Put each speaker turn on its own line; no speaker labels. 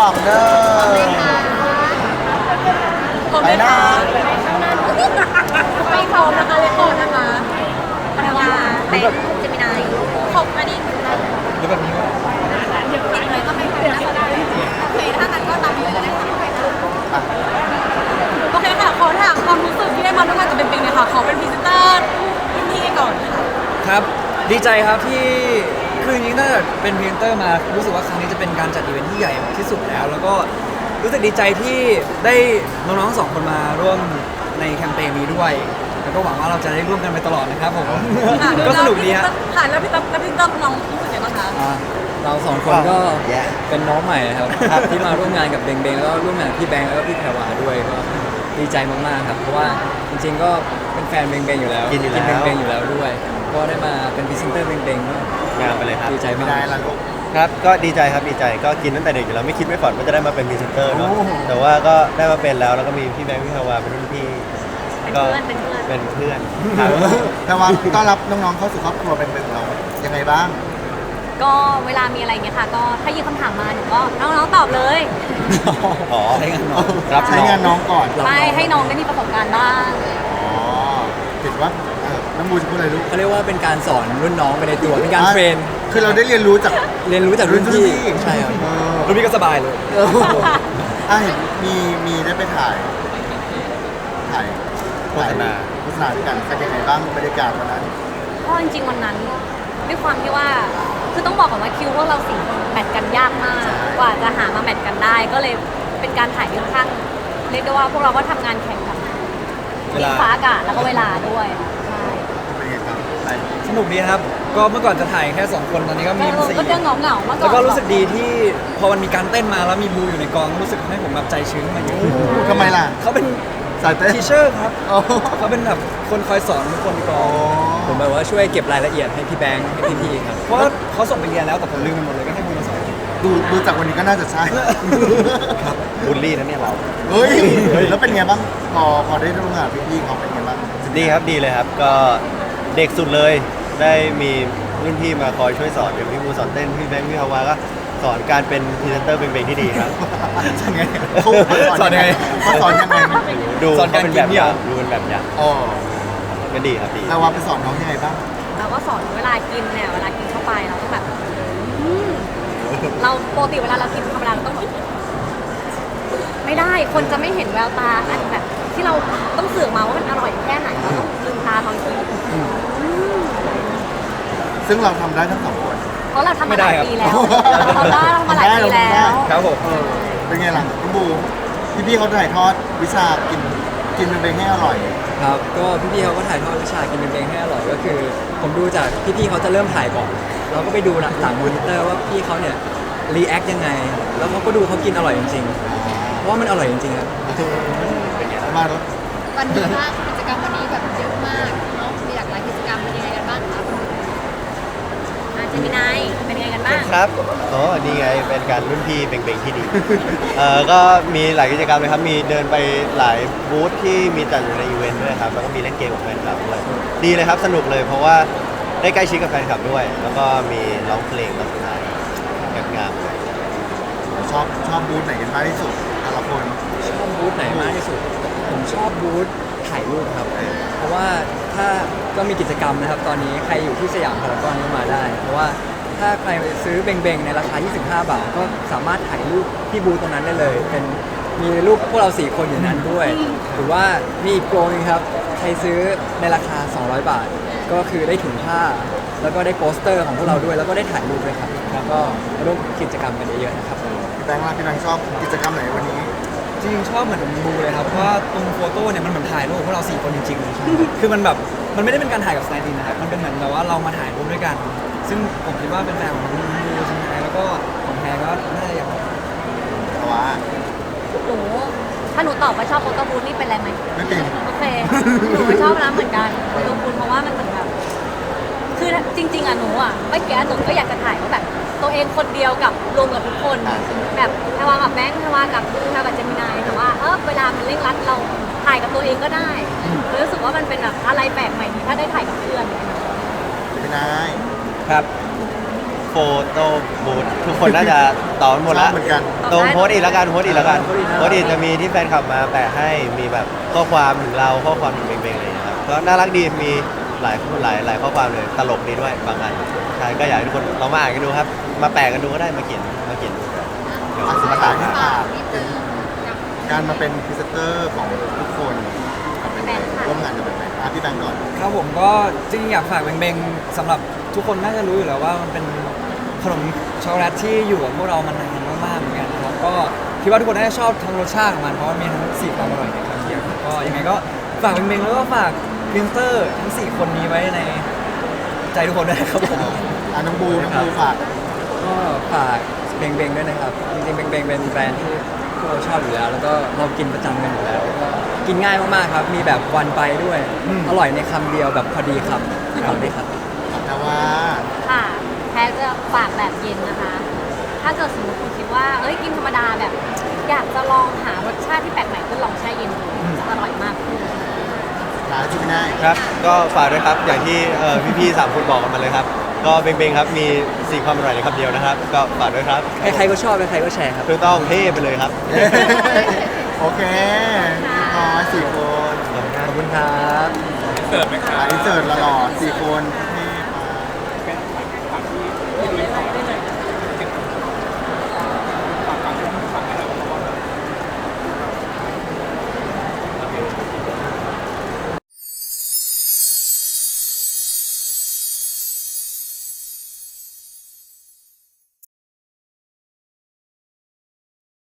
องเด้อไปนะ
ไม่พร้อมนะคะเลยพร้อมนะคะภรรยาแต่จะมีนายของอันนี้
หรือแบบนี้ก็
ติดเลยก็ไม่พร้อมนะคะโอเคถ้างั้นก็ตามนี้เลยก็ได้ค่ะโอเคค่ะขอถามความรู้สึกที่ได้มาร่วมงานกับเป็นๆเลยค่ะขอเป็นพรีเซนเตอร์ที่ก่อนค่ะ
ครับดีใจครับที่คือจริงๆตั้งแต่เป็นพรีเซนเตอร์มารู้สึกว่าครั้งนี้จะเป็นการจัดอีเวนท์ที่ใหญ่ที่สุดแล้วก็รู้สึกดีใจที่ได้น้องๆสองคนมาร่วมในแคมเปญนี้ด้วยแล้วก็หวังว่าเราจะได้ร่วมกันไปตลอดนะครับผมก็สนุกดีฮะ
ค่ะแล้วพี่ตั้มน้องรู้สึกยังไงบ้างคะ
เราสองคนก็เป็นน้องใหม่ครับที่มาร่วมงานกับเบงเบงแล้วก็ร่วมงานกับพี่แบงค์แล้วก็พี่แพรวาด้วยก็ดีใจมากๆครับเพราะว่าจริงๆก็เป็นแฟนเบงเบงอยู่แล้วกินเบงเบงอยู่แล้วด้วยก็ได้มาเป็นพรีเซนเตอร์เบงเบงก็
งานไปเลยครับ
ดีใจมาก
ได้ละลูก
ครับก็ดีใจครับดีใจก็กินตั้งแต่เด็กอยู่แล้วไม่คิดไม่ฝันว่าจะได้มาเป็นพรีเซนเตอร์เนาะแต่ว่าก็ได้มาเป็นแล้วก็มีพี่แบงค์พี่ฮาวาเป็นรุ่นพี่ก็เป็นเพื่อนครับ
แต่ว่าต้อนรับน้องๆเข้าสู่ครอบครัวเป็นของเรายังไงบ้าง
ก็เวลามีอะไรเงี้ยค่ะก็ถ้ายิงคำถามมาหนูก็น้องๆตอบเลย
อ๋อ
ใช้งานน้อง
รับ
ใช้งานน้องก่อน
ไม่ให้น้องได้มีประสบการณ์บ้าง
อ๋อคิดว่าน้องบูจะพูดอะไรลูก
เขาเรียกว่าเป็นการสอนรุ่นน้องไปในตัวเป็นการเทรน
คือเราได้เรียนรู้จาก
เรียนรู้จากรุ่นพี่ใช่ครับ
รุ่นพี่ก็สบายเลย
เห็นมีได้ไปถ่ายโฆษณาด้วยกันเป็นยังไงบ้างบรรยากาศวันนั้น
ก็จริงๆวันนั้นด้วยความที่ว่าคือต้องบอกก่อนว่าคิวพวกเราสี่คนแมทกันยากมาก กว่าจะหามาแมทกันได้ ก็เลยเป็นการถ่ายค่อนข้างเรียกได้ว่าพวกเราก็ทำงานแข่งกับ
เวลา
ฟ้าอากาศแล้วก็เวลาด้วยใช่
เป็นยังไงครับไป
สนุกดีครับก็เมื่อก่อนจะถ่ายแค่2คนตอนนี้ก็มีสี่
ก็จะเหงาๆมาก่อน
แล้วก็รู้สึกดีที่พอมันมีการเต้นมาแล้วมีบูอยู่ในกองรู้สึกให้ผมแบบใจชื้นขึ้นมาเยอะ
ทำไมล่ะ
เขาเป็น
สายเต้น
ทีเชอร์ครับ
อ๋อ
เขาเป็นแบบคนคอยสอนทุกคนในกอง
ผมแบบว่าช่วยเก็บรายละเอียดให้พี่แบงค์ให้พี่ๆครับ
เพราะว่าเขาส่งไปเรียนแล้วแต่ผมลืมไปหมดเลยก็ให้บูมาสอน
ดูจากวันนี้ก็น่าจะใช่
บูลลี่นะเนี่ยเรา
เฮ้ยแล้วเป็นไงบ้างพอได้ร่วมงานกับพี่ๆเขาเป็นไงบ้าง
ดีครับดีเลยครับก็เด็กสุดเลยได้มีรุ่นพี่มาคอยช่วยสอนอย่างพี่บูสอนเต้นพี่แบงค์พี่ฮาวาก็สอนการเป็นพรีเซนเตอร์เป็นที่ดีครับ
ยังไงเขาสอนยังไงเขาสอนยังไง
ดู
สอนการ
เป็น
กิ
แบ
น
บ
เนี่
อย ย่างดูเป็นแบบอย่าง
อ๋อ
ก็ดีครับดี
แล้วว่าไปสอนน้องยังไงบ้าง
เราก็สอนเวลากินเนี่ยเวลากินเข้าไปเราก็แบบเราปกติเวลาเรากินธรรมดาเราต้องแบบไม่ได้คนจะไม่เห็นแววตาอันแบบที่เราต้องสื่อมาว่ามันอร่อยแค่ไหนเราต้องลืมตาตอนกิน
ซึ่งเราทำได้ทั้งสองคน
เพราะเราทำมาหลายปีแล้ว
ไม่ได้ครับ
เราทำมาหลายปีแล้ว
ครับผม
เป็นไงล่ะน้องบูพี่ๆเขาถ่ายทอดวิชากินเป็นให้อร่อย
ครับก็พี่ๆเขาก็ถ่ายทอดวิชากินเป็นเบงให้อร่อยก็คือ ผมดูจากพี่ๆเขาจะเริ่มถ่ายก่อน เราก็ไปดูหลังมอนิเตอร์ว่าพี่เขาเนี่ยรีแอคยังไง แล้วเขาก็ดูเขากินอร่อยจริงๆเพราะว่ามันอร่อยจริงๆครับ
มาแล้ว
วันนี้มากกิจกรรมวันนี้แบบเยอะมากเนาะมีหลากหลายกิจกรรมเป็นยังไงกันบ้างคะ
เจมินายเป็นยังไงกันบ้าง
ครับอ๋อนี่ไงเป็นการรุ่นพี่เบ่งๆที่ดี ก็มีหลายกิจกรรมเลยครับมีเดินไปหลายบูธที่มีจัดอยู่ในอีเวนต์ด้วยครับแล้วก็มีเล่นเกมกับแฟนคลับด้วยดีเลยครับสนุกเลยเพราะว่าได้ใกล้ชิดกับแฟนคลับด้วย แล้วก็มีร้องเพลงตอนสุดท้ายงามๆ
ชอบบูธไหนกันมากที่สุดแต่ละคน
ชอบบูธไหนมากที่สุด ผมชอบบูธถ่ายรูปครับ เพราะว่าถ้าก็มีกิจกรรมนะครับ ตอนนี้ใครอยู่ที่สยามพารากอนก็มาได้ เพราะว่าถ้าใครซื้อเบงๆในราคา 25 บาท ก็สามารถถ่ายรูปที่บูธตรงนั้นได้เลย เป็นมีรูปพวกเรา 4 คนอยู่นั้นด้วย หรือว่ามีอีกโปรนึงครับ ใครซื้อในราคา 200 บาท ก็คือได้ถุงผ้า แล้วก็ได้โปสเตอร์ของพวกเราด้วย แล้วก็ได้ถ่ายรูปด้วยครับ แล้วก็มาร่วมกิจกรรมกันเยอะๆนะครับ
พี่แบงค์ล่ะพี่แบงค์ชอบกิจกรรมไหนวันนี้
จริงๆชอบเหมือนบูเลยครับเพราะว่าตรงโฟโต้เนี่ยมันเหมือนถ่ายรูปพวกเรา4คนจริงๆเลยคือมันแบบมันไม่ได้เป็นการถ่ายกับสไตล์ดินนะครับมันเป็นเหมือนแบบว่าเรามาถ่ายรูปด้วยกัน ซึ่งผมคิดว่าเป็นแฟนของบูใช่ไหมแล้วก็ของแพรก็น่าจะอย่าง
แต่ว่า
หนูถ้าหนูตอบว่าชอบโฟโต้บูธนี่เป็นไรไหม
ไม่เป็น
โอเคหนูก็ชอบนะเหมือนกันโฟโต้บูธเพราะว่ามันเหมือนแบบคือจริง ๆอ่ะหนูอ่ะเมื่อกี้หนูก็อยากจะถ่ายว่าแบบตัวเองคนเดียวกับรวมกับทุกคนแบบแพรวากับแบงค์แพรวากับเจมินายแต่ว่าเวลามันเร่งรัดเราถ่ายกับตัวเองก็ได้รู้สึกว่ามันเป็นแบบอะไรแปลกใหม่ที่ถ้าได้ถ่ายกับเพื่อน
ไม่ได้
ครับโฟโต้บูธทุกคนน่าจะตอบหมด
ชอ
ละ
บเหมือนกัน
ตรงโพสต์อีกแล้วกันโพสต์อีกแล้วกัน
โพสต์อีกนะ
โพสต์อีกจะมีที่แฟนคลับมาแปะให้มีแบบข้อความถึงเราข้อความถึงเบงๆอะไรอย่างเงี้ยครับก็น่ารักดีมีหลายข้อความเลยตลกดีด้วยบางอันใช่ก็อยากให้ทุกคนลองมาอ่านกันดูครับ มาแปะกันดูก็ได้มาเขียนดูกันเดี๋ยว
อ่ะสุด
มา
ท้า
ตาย ม
นี่
หา
ค่ะ
นิดนึงกับ
การมาเป็นพรีเซนเตอร์ของทุกคนเป็นไงร่วมงานกันเป็นไงพี่แบงก์ก่อน
ครับผมก็จริงๆอยากฝากเบงๆสำหรับทุกคนน่าจะรู้อยู่แล้วว่ามันเป็นขนมช็อกโกแลตที่อยู่กับพวกเรามานานมากๆเหมือนกันครับก็คิดว่าทุกคนน่าจะชอบทั้งรสชาติของมันเพราะว่ามีทั้ง4ความอร่อยในคำเดียวก็ยังไงก็ฝากเบงๆแล้วก็ฝากพรีเซนเตอร์ทั้ง4คนนี้ไว้ในใจทุกคนด้วยนะครับผม
น้องบูฝาก
ก็ฝากเบงเบงด้วยนะครับ จริงๆเบงเบงเป็นแบรนด์ที่พวกเราชอบอยู่แล้ว แล้วก็เรากินประจำกันอยู่แล้วแล้วก็กินง่ายมากๆครับ มีแบบวันไปด้วย อร่อยในคำเดียวแบบพอดีคำฝากด้วยครับ
แต่ว่า
ค่ะแพ้จะฝากแบบเย็นนะคะ ถ้าเกิดสมมติคุณคิดว่าเอ้ยกินธรรมดาแบบ อยากจะลองหารสชาติที่แปลกใหม่ก็ลองแช่เย็นดูจะอร่อยมากขึ้น
ร้านที่ไม่ได้
ครับก็ฝากด้วยครับอย่างที่พี่ๆ3คนบอกกันมาเลยครับก็เบงๆครับมี4ความอร่อยในคำเดียวนะครับก็ฝากด้วยครับ
ใครๆก็ชอบใครๆก็แชร์ครับ
ถูกต้องเท่ไปเลยครับ
โอเค4 คน
ขอบคุณครับ
อินเสิร์ตหล่อๆ4 คน